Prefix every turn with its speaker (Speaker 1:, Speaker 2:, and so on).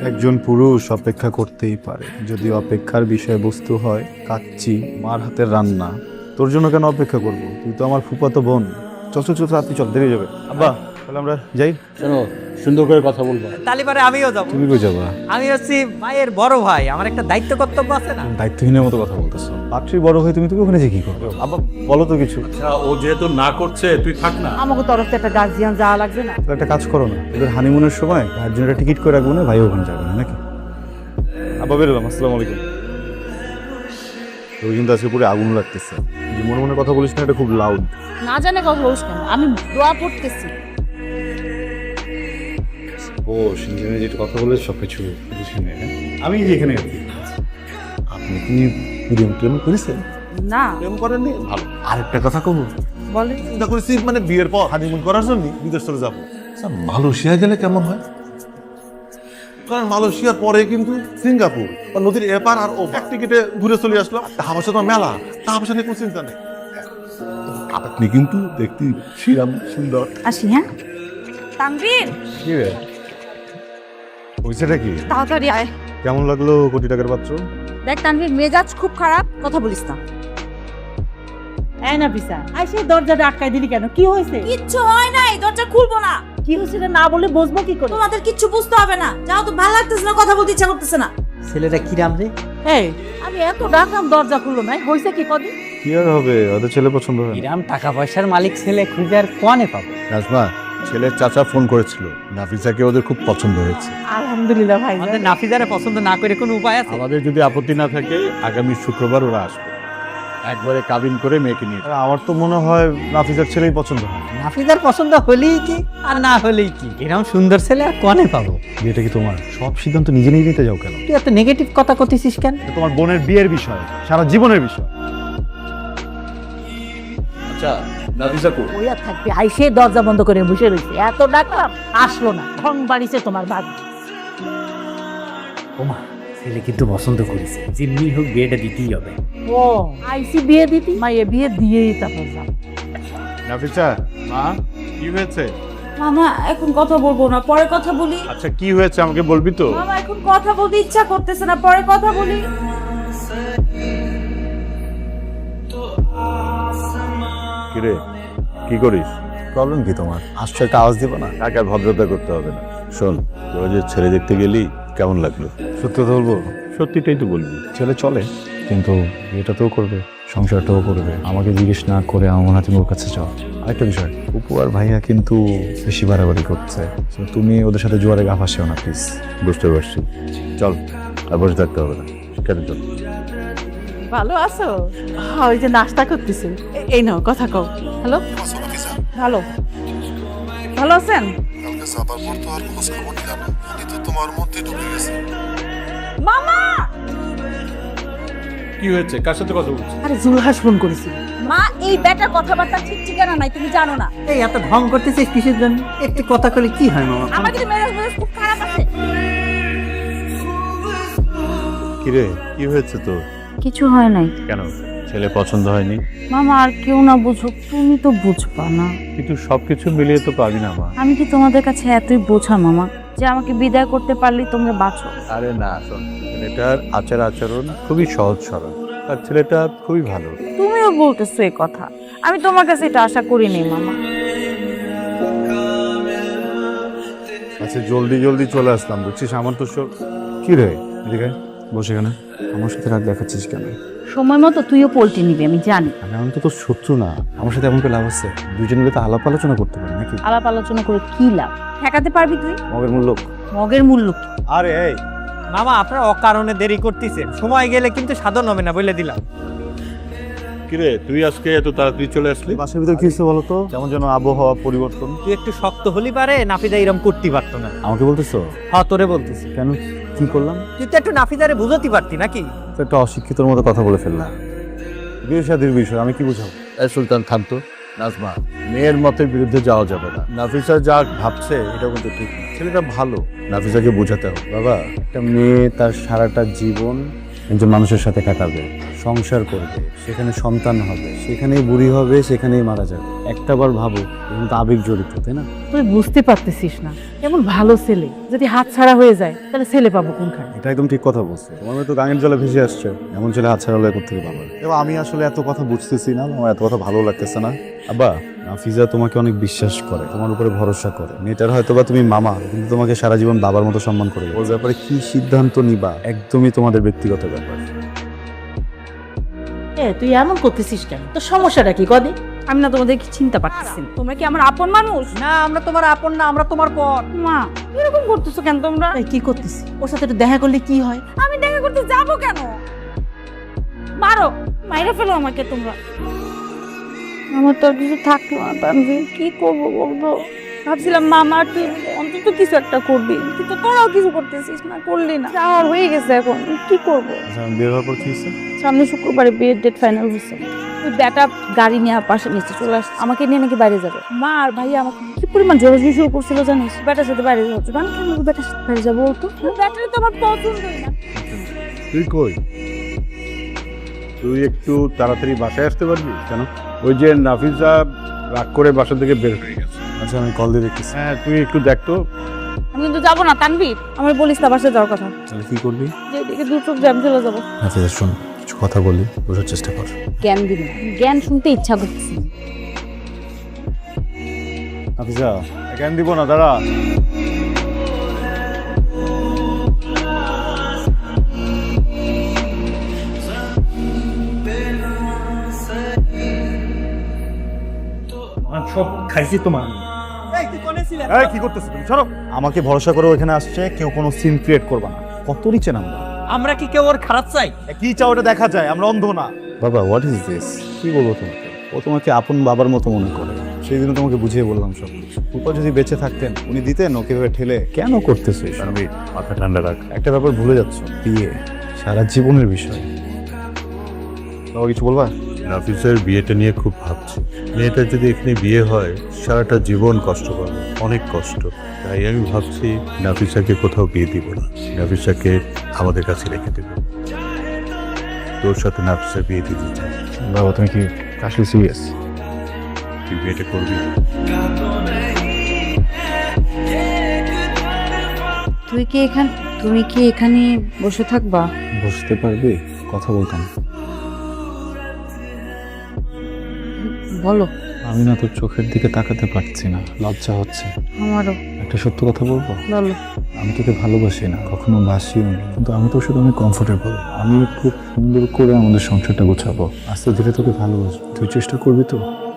Speaker 1: একজন পুরুষ অপেক্ষা করতেই পারে, যদি অপেক্ষার বিষয়বস্তু হয় কাচ্চি, মার হাতের রান্না। তোর জন্য কেন অপেক্ষা করব? তুই তো আমার ফুফাতো বোন। চল চল চল, রাত্রি চল, দেরি হয়ে যাবে। আব্বা, তাহলে আমরা যাই।
Speaker 2: শোনো, সুন্দর করে কথা বলবো।
Speaker 3: তালিবারে আমিও যাবো।
Speaker 1: তুমি কই যাবা?
Speaker 3: আমি হচ্ছি মায়ের বড় ভাই, আমার একটা দায়িত্ব কর্তব্য আছে না।
Speaker 1: দায়িত্বহীনের মতো কথা বলতেছো। পাত্রী বড় হয়ে তুমি ওখানে যে কি করবে? আব্বা বলো তো কিছু।
Speaker 2: আচ্ছা, ও যেহেতু না করছে তুই থাক না।
Speaker 4: আমাকে তরফ থেকে একটা গার্জিয়ান যাওয়া লাগবে না?
Speaker 1: তাহলে একটা কাজ করো না, এদের হানিমুনের সময় ভাইয়ের জন্য একটা টিকিট করে রাখবো না, ভাই ওখানে যাবে না নাকি? আব্বা বেরোলাম, আসসালামু আলাইকুম। তোর কিন্তু আজকে পুরো আগুন লাগতেছে। যে মনে মনে কথা বলিস না, এটা খুব লাউড।
Speaker 4: না জানে কথা বলিস কেন? আমি দোয়া পড়তেছি।
Speaker 1: ও সিনজেনে যেটা কথা বলে সব কিছু শুনে, আমি যেখানে আছি। আপনি কি প্রেম করেছেন?
Speaker 4: না
Speaker 1: প্রেম করেননি? ভালো। আরেকটা কথা কব,
Speaker 4: বলে
Speaker 1: চিন্তা করেছি মানে বিয়ের পর হানিমুন করার জন্য বিদেশ চলে যাবো।
Speaker 5: মালয়েশিয়া গেলে কেমন হয়? কারণ মালয়েশিয়ার পরে কিন্তু সিঙ্গাপুর বা নদীর এপার আর ও এক টিকিটে ঘুরে চলে আসলাম। টাকা পয়সা তো মেলা, টাকা পয়সা নিয়ে কোনো চিন্তা নেই। আপনি কিন্তু দেখতে শ্রীরাম সুন্দর।
Speaker 4: আসি। হ্যাঁ তানভীর,
Speaker 1: কি রে হয়েছেটা কি?
Speaker 4: তাড়াতাড়ি আয়।
Speaker 1: কেমন লাগলো কোটি টাকার পাত্র?
Speaker 4: দেখ তানভীর, মেজাজ খুব খারাপ, কথা বলিস না।
Speaker 6: এই না পিসা, আই সেই দরজাটা আটকাই দিলি কেন? কি হয়েছে?
Speaker 7: কিচ্ছু হয় নাই, দরজা খুলবো না।
Speaker 6: কি হয়েছে রে? না বলে বসবো কি করে?
Speaker 7: তোমাদের কিচ্ছু বুঝতে হবে না। যাও, তো ভালো লাগতেছে না, কথা বলতে ইচ্ছা করতেছে না।
Speaker 3: ছেলেটা কিরাম রে?
Speaker 6: এই আমি এত ডাকলাম, দরজা খুললো না, হয়েছে কি কদিন?
Speaker 1: কি আর হবে, ওদের ছেলে পছন্দ হয় না।
Speaker 3: কিরাম টাকা পয়সার মালিক ছেলে খুঁজে আর কোয়ানে পাবো?
Speaker 1: রাজমা, ছেলের চাচা ফোন করেছিল, নাফিসাকে ওদের খুব পছন্দ হয়েছে।
Speaker 6: আলহামদুলিল্লাহ ভাই।
Speaker 3: আমাদের নাফিজারে পছন্দ না করে কোনো উপায় আছে?
Speaker 1: আমাদের যদি আপত্তি না থাকে আগামী শুক্রবার ওরা আসবে, একবারে কাবিন করে মেয়েকে নিয়ে। আমার তো মনে হয় নাফিসার ছেলেই পছন্দ হয়।
Speaker 3: নাফিজার পছন্দ হলেই কি আর না হলেই কি, এরকম সুন্দর ছেলে আর কোয়ানে পাবো?
Speaker 1: বিয়েটা কি তোমার? সব সিদ্ধান্ত নিজে নিজে নিতে যাও কেন?
Speaker 3: তুই এত নেগেটিভ কথা কইতেছিস কেন?
Speaker 1: এটা তোমার বোনের বিয়ের বিষয়, সারা জীবনের বিষয়।
Speaker 2: আচ্ছা, নাফিসা কো?
Speaker 6: ওই আর থাকবে, আই সেই দরজা বন্ধ করে বসে রয়েছে, এত ডাকলাম আসলো না। ঠং বাড়িছে তোমার বাড়ি।
Speaker 3: ওমা, ছেলে কিন্তু পছন্দ করেছে, যেমনি হোক বিয়েটা দিতেই হবে।
Speaker 6: ও আইসি বিয়ে দিতি, মাইয়ে বিয়ে দিয়েই তারপর যাব।
Speaker 1: নাফিসা, মা কি হয়েছে?
Speaker 7: মামা এখন কথা বলবো না, পরে কথা বলি।
Speaker 1: আচ্ছা কি হয়েছে আমাকে বলবি তো?
Speaker 7: মামা এখন কথা বলতে ইচ্ছা করতেছে না, পরে কথা বলি।
Speaker 1: কিরে কি করিস? প্রবলেম কি তোমার? আসছো, একটা আওয়াজ দিব না? টাকা ভদ্রতা করতে হবে না। শোন, তোরা যে ছেলে দেখতে গেলি কেমন লাগলো? সত্যি কথা বলবো? সত্যিটাই তো বলবি। ছেলে চলে, কিন্তু এটাতেও করবে, সংসারটাও করবে। আমাকে জিজ্ঞেস না করে আমার হাতে ওর কাছে যাও। আরেকটা বিষয়, উপু আর ভাইয়া কিন্তু বেশি বাড়াবাড়ি করছে। So, তুমি ওদের সাথে জোয়ারে গা ফাঁসেও না প্লিজ। বুঝতে পারছি, চল আর বসে থাকতে হবে না, শিক্ষার্থী চল।
Speaker 6: ভালো আছো? হ্যাঁ, ওই যে নাস্তা করতেছে। এই নাও কথা কও। হ্যালো, ভালো ভালো আছেন?
Speaker 5: কালকে যাবার পর তো আর খোঁজ খবর নিলাম না, উনি তো তোমার মধ্যে ঢুকে গেছে।
Speaker 7: মামা,
Speaker 2: কি হয়েছে? কার সাথে কথা বলছিস?
Speaker 6: আরে জুলহাস ফোন করেছিল।
Speaker 7: মা এই বেটার কথাবার্তা ঠিক ঠিকানা নাই, তুমি জানো না।
Speaker 3: এই এত ঢং করতেছিস কিসের জন্য? একটু কথা কলে কি হয় মামা?
Speaker 7: আমার কিন্তু মেজাজ খুব খারাপ আছে।
Speaker 1: কিরে কি হয়েছে তোর?
Speaker 4: কিছু হয় নাই
Speaker 1: কেন, ছেলে পছন্দ হয়নি?
Speaker 4: মামা, আর কেউ না বুঝুক, তুমি তো বুঝবা না।
Speaker 1: কিন্তু সবকিছু মিলিয়ে তো পাবি না মা।
Speaker 4: আমি কি তোমাদের কাছে এতই বোঝা মামা যে আমাকে বিদায় করতে পারলেই তোমরা বাঁচো?
Speaker 1: আরে না, শোন, ছেলেটার আচার আচরণ খুবই সহজ সরল, আর ছেলেটা খুবই ভালো।
Speaker 4: তুমিও বলতেছো এই কথা, আমি তোমার কাছে এটা আশা করিনি মামা।
Speaker 1: আচ্ছা জলদি জলদি চলে আসলাম, বুঝছিস? আমার তো সব কি রে, এদিকে আয়, বসে কেন আমার সাথে রাগ দেখাচ্ছিস কেন?
Speaker 4: সময় মতো তুইও পোল্টে নিবি, আমি জানি।
Speaker 1: আমি তো তোর শত্রু না, আমার সাথে এমন করে লাভ আছে? দুজন মিলে তো আলাপ আলোচনা করতে পারি নাকি?
Speaker 4: আলাপ আলোচনা করে কি লাভ? ঠেকাতে পারবি তুই?
Speaker 1: মগের মূল্য।
Speaker 4: মগের মূল্য কি?
Speaker 1: আরে এই
Speaker 3: মামা, আপনারা অকারণে দেরি করতেছেন, সময় গেলে কিন্তু সাধন হবে না, বলে দিলাম।
Speaker 5: কিরে তুই আজকে এত তাড়াতাড়ি চলে আসলি?
Speaker 1: বাসার ভিতর কি হচ্ছে বলো তো? যেমন যেন আবহাওয়া পরিবর্তন।
Speaker 3: তুই একটু শক্ত হলি পারে, নাফিজা এরকম করতে পারতো না।
Speaker 1: আমাকে বলতেছো?
Speaker 3: হ্যাঁ, তোরে বলতেছি।
Speaker 1: কেন, কি করলাম?
Speaker 3: তুই তো একটু নাফিজারে বুঝতে পারতি নাকি?
Speaker 1: তো একটা অশিক্ষিতর মতো কথা বলে ফেললাম। বিয়ে শাদীর বিষয় আমি কি বুঝাবো?
Speaker 2: সুলতান থামত। নাজমা, মেয়ের মতের বিরুদ্ধে যাওয়া যাবে না।
Speaker 1: নাফিসা যা ভাবছে এটা কিন্তু ঠিক না। ছেলেটা ভালো, নাফিসাকে বোঝাতে হবে। বাবা, একটা মেয়ে তার সারাটা জীবন একজন মানুষের সাথে কাটাবে,
Speaker 2: সংসার করবে, সেখানে সন্তান হবে, সেখানেই বুড়ি হবে, সেখানেই মারা যাবে। একটাবার ভাবো, এখানে তো আবেগ জড়িত, তাই না?
Speaker 6: তুই বুঝতে পারতেছিস না, এমন ভালো ছেলে যদি হাত ছাড়া হয়ে যায় তাহলে ছেলে পাবো কোনখানে?
Speaker 2: এটা একদম ঠিক কথা বলছো। তোমার মেয়ে তো গাঙের জলে ভেসে আসছে, এমন ছেলে হাতছাড়া হলে কোথেকে পাবো? এবার আমি আসলে এত কথা বুঝতেছি না, আমার এত কথা ভালো লাগতেছে না। আব্বা, নাফিজা তোমাকে অনেক বিশ্বাস করে, তোমার উপরে ভরসা করে। মেয়েটার হয়তো বা তুমি মামা, কিন্তু তোমাকে সারা জীবন বাবার মতো সম্মান করে। ওর ব্যাপারে কি সিদ্ধান্ত নিবা একদমই তোমাদের ব্যক্তিগত ব্যাপার।
Speaker 6: তুই এমন করতেছিস কেন? তোর সমস্যাটা কি কদি?
Speaker 4: আমি না তোমাদেরকে চিন্তা পারতেছি না। তোমরা কি আমার আপন মানুষ?
Speaker 6: না, আমরা তোমার আপন না, আমরা তোমার পর।
Speaker 4: মা এরকম করতেছো কেন তোমরা?
Speaker 6: এই কি করতেছিস? ওর সাথে একটু দেখা করলে কি হয়?
Speaker 4: আমি দেখা করতে যাবো কেন? মারো, মাইরা ফেলো আমাকে তোমরা। আমার তো আর কিছু থাকলো না তানভীর, কি করবো বলবো? ভাবছিলাম মামা তুই অন্তত কিছু একটা করবি, কিন্তু তোরাও কিছু করতেছিস না, করলি না। আর হয়ে গেছে, এখন কি করবো?
Speaker 2: বিয়ে হওয়ার পর কি হয়েছে?
Speaker 4: সামনে শুক্রবারে বিয়ের ডেট ফাইনাল হয়েছে। ওই ব্যাটা গাড়ি নিয়ে পাশে নিচে চলে আসছে, আমাকে নিয়ে নাকি বাইরে যাবে। মা আর ভাইয়া আমাকে কি পরিমাণ জোরাজুরি শুরু করছিল জানিস? ব্যাটার সাথে বাইরে যাচ্ছে, মানে কেন ব্যাটার সাথে বাইরে যাবো? তো ব্যাটারে তো আমার পছন্দই না।
Speaker 1: তুই কই? তুই একটু তাড়াতাড়ি বাসায় আসতে পারবি? কেন? ওই যে নাফিজা রাগ করে বাসা থেকে বের হয়ে গেছে।
Speaker 2: আচ্ছা, আমি কল দিয়ে দেখতেছি।
Speaker 1: হ্যাঁ, তুই একটু দেখ তো।
Speaker 4: আমি কিন্তু যাবো না তানভীর, আমার বলিস না বাসায় যাওয়ার কথা।
Speaker 2: তাহলে কি করবি?
Speaker 4: যেদিকে দু চোখ জ্যাম চলে যাবো।
Speaker 2: আচ্ছা, শোন, কিছু কথা বলি, বোঝার চেষ্টা কর।
Speaker 4: জ্ঞান দিবি না, জ্ঞান শুনতে ইচ্ছা করতেছি।
Speaker 2: নাফিজা, জ্ঞান দিব না, দাঁড়া।
Speaker 3: সব খাইছি তোমার।
Speaker 2: এই কি করতেছ তুমি? সরো। আমাকে ভরসা করে ওখানে আসছে, কেউ কোনো সিন ক্রিয়েট করবা না। কত নিচে নামবা?
Speaker 3: আমরা কি কেউ ওর খারাপ চাই?
Speaker 2: কি চাও ওটা দেখা যায়, আমরা অন্ধ না। বাবা, হোয়াট ইজ দিস? কি বলবো তোমাকে? ও তোমাকে আপন বাবার মতো মনে করে। সেই দিনও তোমাকে বুঝিয়ে বললাম সব কিছু। ফুপা যদি বেঁচে থাকতেন, উনি দিতেন ওকে ভেবে ঠেলে। কেন করতেছো এসব?
Speaker 1: আমি মাথা ঠান্ডা রাখ।
Speaker 2: একটা ব্যাপার ভুলে যাচ্ছ, বিয়ে সারা জীবনের বিষয়। বাবা, কিছু বলবা?
Speaker 1: নাফিসের বিয়েটা নিয়ে খুব ভাবছি। মেয়েটা যদি এখানে বিয়ে হয়, সারাটা জীবন কষ্ট পাবে, অনেক কষ্ট। তাই আমি ভাবছি নাফিসাকে কোথাও বিয়ে দিব না, নাফিসাকে আমাদের কাছে রেখে দেব। তোর সাথে নাফিসার বিয়ে দিতে চাই।
Speaker 2: বাবা, তুমি কি আসলে সিরিয়াস?
Speaker 1: তুই বিয়েটা করবি?
Speaker 4: তুমি কি এখানে বসে থাকবা?
Speaker 2: বসতে পারবে? কথা বলতাম।
Speaker 4: বলো।
Speaker 2: আমি না তোর চোখের দিকে তাকাতে পারছি না, লজ্জা হচ্ছে।
Speaker 4: আমারও।
Speaker 2: একটা সত্য কথা বলবো?
Speaker 4: বলো।
Speaker 2: আমি তোকে ভালোবাসি না, কখনো বাসিও না, কিন্তু আমি তোর সাথে অনেক কমফোর্টেবল। আমি খুব সুন্দর করে আমাদের সংসারটা গোছাবো, আস্তে ধীরে তোকে ভালোবাসবো। তুই চেষ্টা করবি তো?